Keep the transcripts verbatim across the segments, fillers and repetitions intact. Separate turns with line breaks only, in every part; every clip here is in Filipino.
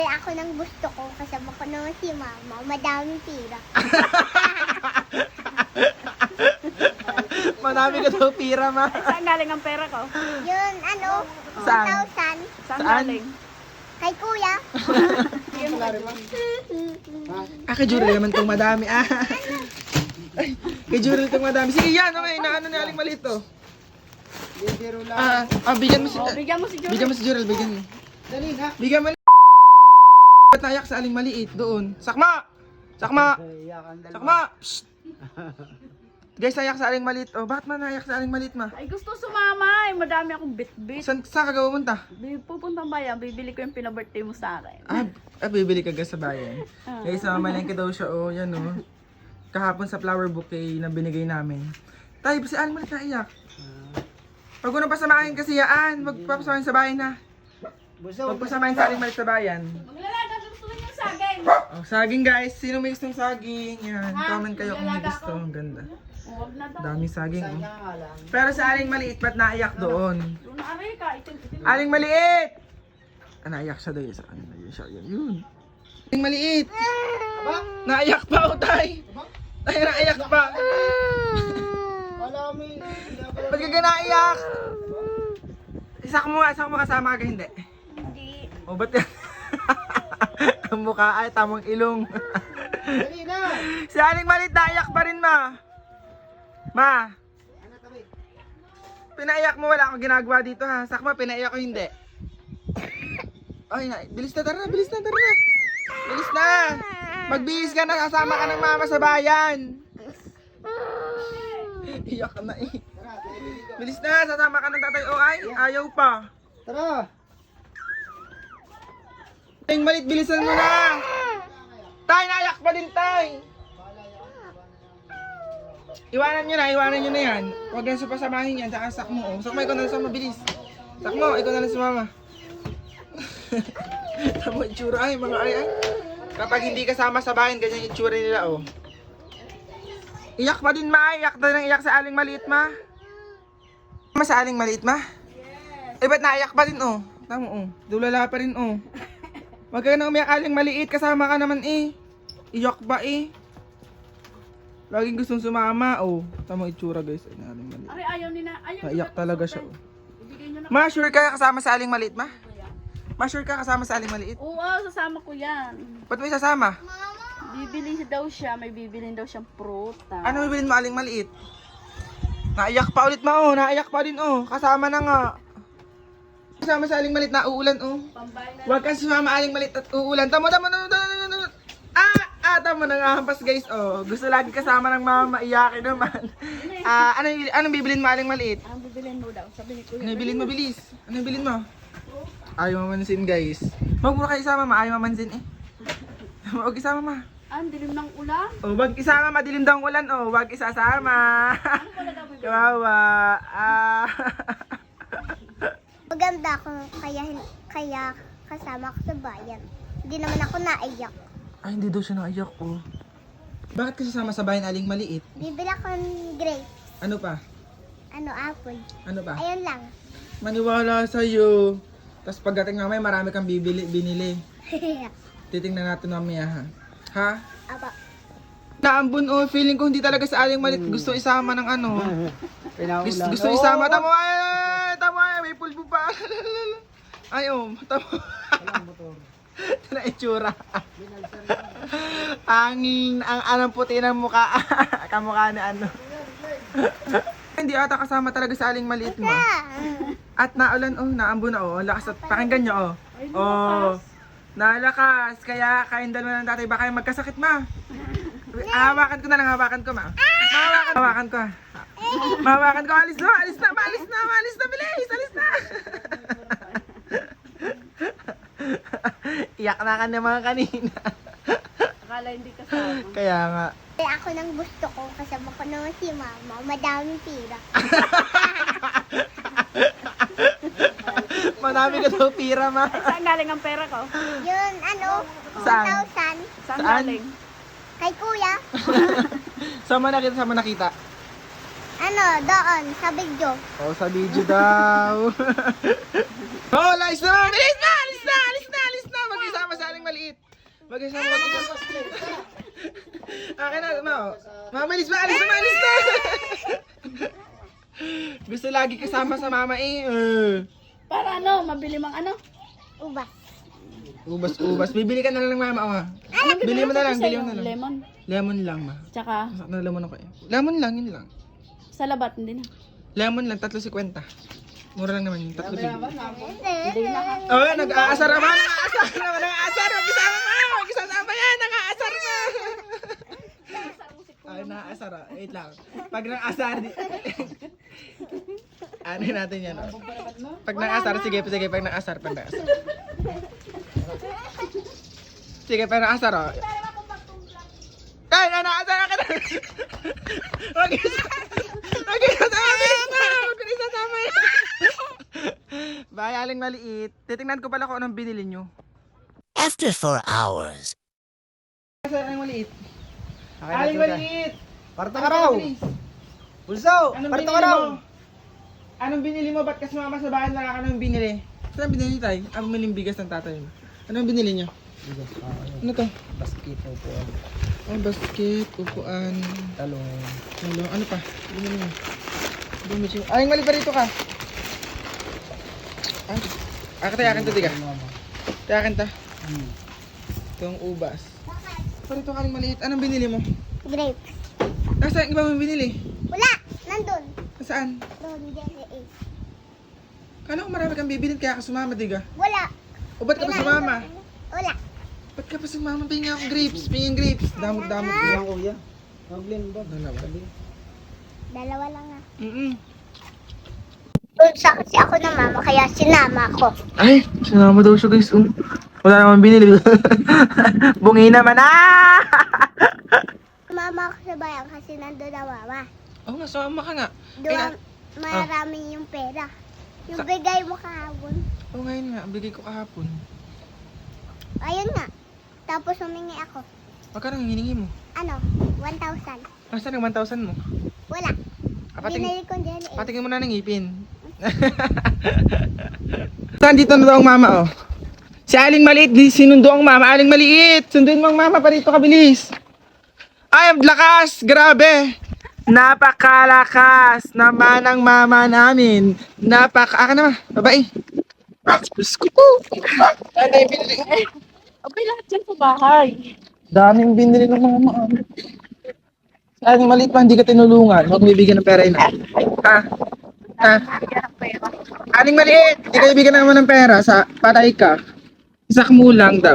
Ako nang gusto ko, kasama ko naman si mama, madaming pira.
Madami ka daw pira, ma.
Saan galing ang pera ko?
Yun, ano,
Saan?
one thousand.
Saan,
Saan?
galing?
Kay kuya.
Ah, kay Jurel naman itong madami. Ah. Ay, kay Jurel itong madami. Sige, yan. Okay, naano ni Aling Maliit to. Ah, ah, bigyan mo si...
Oh, bigyan mo si Jory.
Bigyan mo si Jurel, bigyan mo.
Dali na.
Bigyan mo ni... Ba't naiyak sa Aling Maliit doon? Sakma! Sakma! Sakma! Psst! Guys, naiyak sa Aling Maliit. Oh, bakit man naiyak sa Aling Maliit, ma?
Ay, gusto sumama. Ay, madami akong bit-bit.
Saan, saan ka pupunta?
Bi- Pupuntang bayan, bibili ko yung pinabirthday mo sa akin.
Ah, ah, bibili ka guys sa bayan. Guys, mamalengke daw siya. Oh, yan oh. Kahapon sa flower bouquet na binigay namin. Tayo, si Aling Maliit naiyak. Huwag ko nang pasamahin kasi yaan. Huwag papasamahin sa bayan na. Huwag pasamahin sa Aling Maliit sa bayan.
Maglalaga, gusto rin yung saging.
Oh, saging guys. Sino may gustong saging? Yan. Comment kayo kung may gusto. Ang ganda.
Huwag na daw.
Daming saging. Oh. Pero sa Aling Maliit, ba't naiyak doon?
Doon na aray ka. Itim-itim.
Aling Maliit! Ah, naiyak siya doon. Sa Aling Maliit siya. Yan, yun. Aling Maliit! Naiyak pa, oh, tay! Tay, naiyak pa!
Wala kami.
Ba't ka ka naiyak? Isak mo nga, isak mo kasama ka, hindi.
Hindi.
O, ba't yan? Ang mukha ay tamang ilong.
Dali na.
Si Aling Maliit naiyak pa rin, ma. Ma. Pinaiyak mo, wala akong ginagawa dito, ha. Sakma, pinaiyak ko, hindi. Ay, na, bilis na, tara na, bilis na, tara na. Bilis na. Magbihis ka na, kasama ka ng mama sa bayan. Iyak ka na eh. Bilis na, sasama ka ng tatay o ay, ayaw pa.
Tara.
Aling Maliit, bilisan mo na. Tay, naiyak pa din, tay. Iwanan nyo na, iwanan nyo na yan. Huwag yan supasamahin yan, saka sak mo. Oh. Sak mo, ikaw na lang sa mabilis. Sak mo, ikaw na lang sa mama. Tama yung tsura ay, mga ay ay. Kapag hindi kasama sa bayan, ganyan yung tsura nila, oh. Iyak pa din, ma. Iyak na nang iyak sa Aling Maliit, ma. Ma sa Aling Maliit, ma? Yes. Eh, ba't naiyak pa din, oh? Tama, oh. Dulala pa rin, oh. Huwag ka na umiyak, Aling Maliit. Kasama ka naman, eh. Iyak ba, eh? Laging gustong sumama, oh. Tama itsura, guys. Ay, Aling Maliit.
Aray, ayaw ni na. Ayaw
Naiyak
ni na-
talaga siya, oh.
Ibigay nyo na.
Ma, sure ka kasama sa Aling Maliit, ma? Ma, sure ka kasama sa Aling Maliit?
Oo, sasama ko yan.
Ba't mo isasama?
Bibili daw siya, may bibilin daw siyang pruta.
Ano bibilin mo, Aling Maliit? Naiyak pa ulit, ma, oh. Naiyak pa din, oh. Kasama na nga. Kasama sa Aling Maliit na uulan, oh.
Pambay na.
Huwag kang sumama, Aling Maliit at uulan. Tama, tama, tama, tama, tama, tama. Ah! Ah, tama na nga hampas, guys, oh. Gusto lagi kasama ng mama, iyakin naman. Ah, ano, anong bibilin mo, Aling Maliit?
Ang bibilin mo daw, sabi ni Kuya.
Ano bilin mo, bilis? Ano bilin mo? Ayaw mamansin, guys. Huwag mo kayo isama, ma. Ayaw mamansin, eh. Huwag isama, ma.
Ah, ang dilim ng ulan.
Oh, wag isama, madilim daw ang ulan, oh. Wag isasama. Kawawa. Ah.
Maganda ako, kaya, kaya kasama ko sa bayan. Hindi naman ako naiyak.
Ay, hindi daw siya naiyak, oh. Bakit kasi sama sa bayan, Aling Maliit?
Bibili ako ng grape.
Ano pa?
Ano, apple.
Ano pa?
Ayun lang.
Maniwala sa'yo. Tapos pagdating mamaya, marami kang bibili, binili. Titingnan natin mamaya, ha? Ha?
Aba.
Naambun, oh. Feeling ko hindi talaga sa Aling Maliit gusto isama ng ano.
Pinaulan.
Gusto, gusto isama. Tamo, ay, ay, ay, tamo, ay, may pulpo pa. Ay, oh, tamo.
Walang motor.
Ito na itsura. Angin, ang anong puti ng mukha. Kamukha na ano. Hindi ata kasama talaga sa Aling Maliit mo. At naulan, oh, naambun na, oh. Ang lakas at pakinggan nyo, oh. Oh, nalakas. Kaya kain dalawa ng tatay, baka yung magkasakit, ma. Hawakan ko na lang, hawakan ko, ma. Hawakan, hawakan ko, ha. Mahawakan ko, alis na, alis na, alis na, alis na, bilis, alis na. Iyak na ka naman kanina.
Akala hindi kasama.
Kaya nga.
Ako nang gusto ko, kasama ko naman si mama, madaming pira.
Madami ka daw pira, ma.
Saan galing ang pera ko?
Yun, ano,
Saan?
one thousand.
Saan,
Saan?
galing?
Kay kuya.
Saan mo nakita, saan mo nakita?
Ano, doon, sa video.
Oh, sa video daw. Oh, alis na, alis na, alis na, alis na, alis na. Mag-isama sa Aling maliit. Mag-isa mo mag-isa. Akin na, ma. Mamalis ba? Alis na, maalis na! Gusto lagi kasama sa mama eh. Uh.
Para ano, mabili mang ano?
Ubas.
Ubas, ubas. Bibili ka na lang ng mama, oh. Bili mo na lang, bili mo na lang.
Lemon.
Lemon lang, ma.
Tsaka,
Masak na lemon ako eh. Lemon lang, yun lang.
sa labat, hindi na.
Lemon lang, tatlo sikwenta. Mura lang naman yung tatlo bibili.
Hindi na.
Oh, nag-aasar naman, nag-aasar naman, nag-aasar. Mag-isama mo, mag-isama yan, nag-aasar mo. Ay, nag-aasar ah. Wait lang. Pag nag-aasar, di... ano natin yan, oh. Pag nag-aasar, sige, sige, pag nag-aasar, pag nag-aasar. Sige, pag nag-aasar, oh. Ay, nag-aasar ka na. Mag-isa. Mag-isa sa amin. Mag-isa sa amin. Bye, Aling Maliit. Titingnan ko pala kung anong binili nyo.
After four hours.
Aling Maliit.
Akin na
Aling
ito,
Maliit.
Parto ka raw!
Please.
Pulso!
Anong
Parto
binili
ka raw!
mo? Anong binili mo? Ba't kasi mama sa bahay na anong binili? Saan binili tayo? Ah, bumiling bigas ng tatay mo. Anong binili nyo?
Bigas, ah,
Ano to?
basket po po.
Oh, basket, upuan,
Talong.
ano, ano pa? Binili mo. Bumili mo. Aling Maliit pa rito ka. Ah, akin tayo, akin to, diga.
Mama.
Tayo, akin to.
Hmm.
Itong ubas. Parito ka Aling Maliit. Anong binili mo?
Grapes.
Nasaan iba mo binili?
Wala. Nandun.
Nasaan?
Doon, jelly eh.
Kala ko marami kang bibilin kaya ka sumama, diga.
Wala.
O ba't ka pa sumama?
Wala.
Ba't ka pa sumama? Pingin ako grapes, pingin grapes. Damot-damot ko.
Ilang kuya? Maglin ba?
Dalawa.
Dalawa lang ah.
Mm-mm.
Doon sa kasi ako na mama, kaya sinama ko.
Ay, sinama daw siya guys. Um, wala naman binili. Bungi naman ah!
Mama ako sa bayan kasi nandun na mama.
Oo nga, sumama ka nga.
Doon
Ay,
marami yung pera. Yung
Sa-
bigay mo kahapon.
Oo ngayon nga, bigay ko kahapon.
Ayun nga. Tapos humingi ako.
Magkano ang hiningi mo?
Ano? one thousand.
Nasaan ang one thousand mo?
Wala.
Ah, patingin,
Binili ko jelly eh.
patingin mo na ng ngipin. Nandito na daw ang mama, oh. Si Aling Maliit, di sinundo ang mama. Aling Maliit, sunduin mo ang mama pa rito, kabilis. Ay, ang lakas! Grabe! Napakalakas naman ang mama namin. Napaka... Aka naman, babae. Diyos ko po. Ano yung binili?
Okay, lahat dyan sa bahay.
Daming binili ng mama. Si Aling Maliit pa, hindi ka tinulungan. Huwag mo bibigyan ng pera yun. Ha? Ha? Aling Maliit, hindi ka bibigyan naman ng pera sa patay ka. Isak mo lang daw.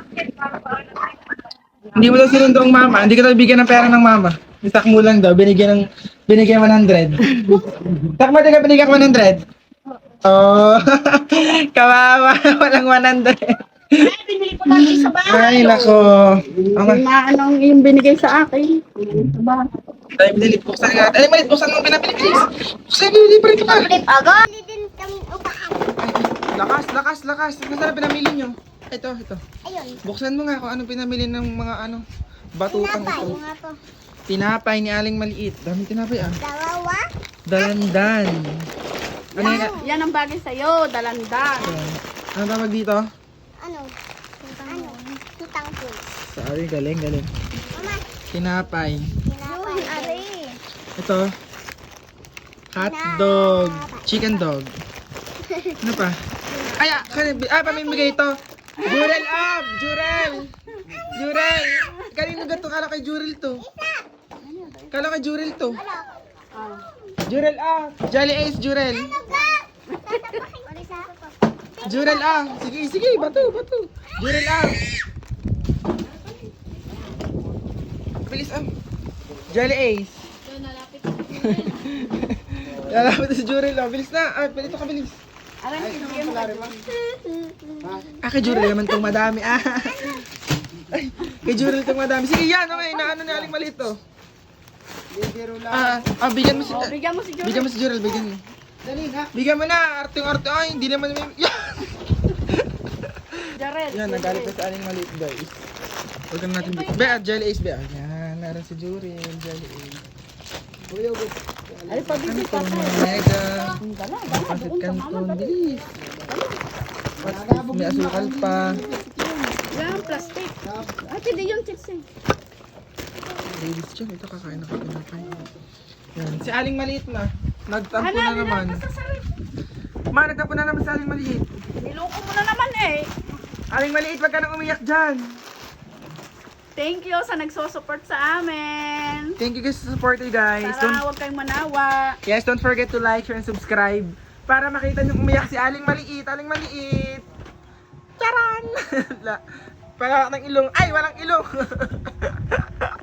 Hindi mo daw sinundo ang mama, hindi ka daw bibigyan ng pera ng mama. Isak mo lang daw, binigyan ng binigyan one hundred. Isak mo din ka binigyan one hundred. Oh, kawawa, walang one hundred.
Ay, binili ko lang sa
Ay,
bahay.
nako. Okay.
Na anong yung binigay sa akin. Sa bahay.
Tayo binili, buksan nga. Aling Maliit, buksan mo pinapili, please. Buksan, binili pa rin ka.
Flip agad. Bili din kami upahan.
Lakas, lakas, lakas. Nasaan na pinamili nyo? Ito, ito.
Ayun.
Buksan mo nga kung anong pinamili ng mga ano, batutang
Tinapay.
ito.
Nga to.
Tinapay ni Aling Maliit. Daming tinapay ah.
Dalawa.
Dalandan. Ano yun?
Yan ang bagay sa'yo, dalandan.
Ano tawag dito?
Ano? Ano? Tutang po.
Sorry, galing, galing.
Mama,
Tinapay.
tinapay. Ari.
Ito. Hot dog. Chicken dog. Ano pa? Ay, ah, kanina, ah, pamimigay ito. Jurel up! Jurel! Jurel! Kanino ba ito? Kala kay Jurel to. Kala kay Jurel to. Jurel ah! Jolly Ace, Jurel. Jurel ah! Sige, sige, bato, bato. Jurel ah! Bilis ah! Jolly Ace. Lalapit si Jurel ah. Bilis na. Ah, palito ka bilis.
Alam ko, bigyan mo.
Ah, kay Jurel naman itong madami. Ah. Ay, kay Jurel itong madami. Sige, yan. Okay, naano ni Aling Maliit to.
Bibiro lang.
Ah, ah, bigyan mo si...
Oh, bigyan mo si Jory.
Bigyan mo si Jurel, bigyan mo.
Dali na.
Bigyan mo na, arte-arte. Ay, hindi naman may... Yan!
Jared.
Yan, nagalit na si Aling Maliit, guys. Huwag na natin... Be, ah, Jelly Ace, be. ah. Yan, naran si Jurel, Jelly Ace.
Kuya, ubo.
Ay, pabigay
Ito,
pa ka.
mga mega.
Dala, dala.
Pasit
Doon sa mama,
canton,
dali.
bilis. May asukal pa.
Yan, plastic. At hindi yung chips eh.
Ladies dyan, ito kakain na kapinapay. Yan. Si Aling Maliit ma. Nagtampo na naman. Ma, nagtampo na naman si Aling Maliit.
Niloko mo na naman eh.
Aling Maliit, wag ka nang umiyak dyan.
Thank you sa nagsosupport sa amin.
Thank you guys sa support eh, guys.
Sana
Don't,
huwag kayong manawa.
yes, don't forget to like, share, and subscribe. Para makita nyo umiyak si Aling Maliit. Aling Maliit. Charan! La- Para ng ilong. Ay, walang ilong.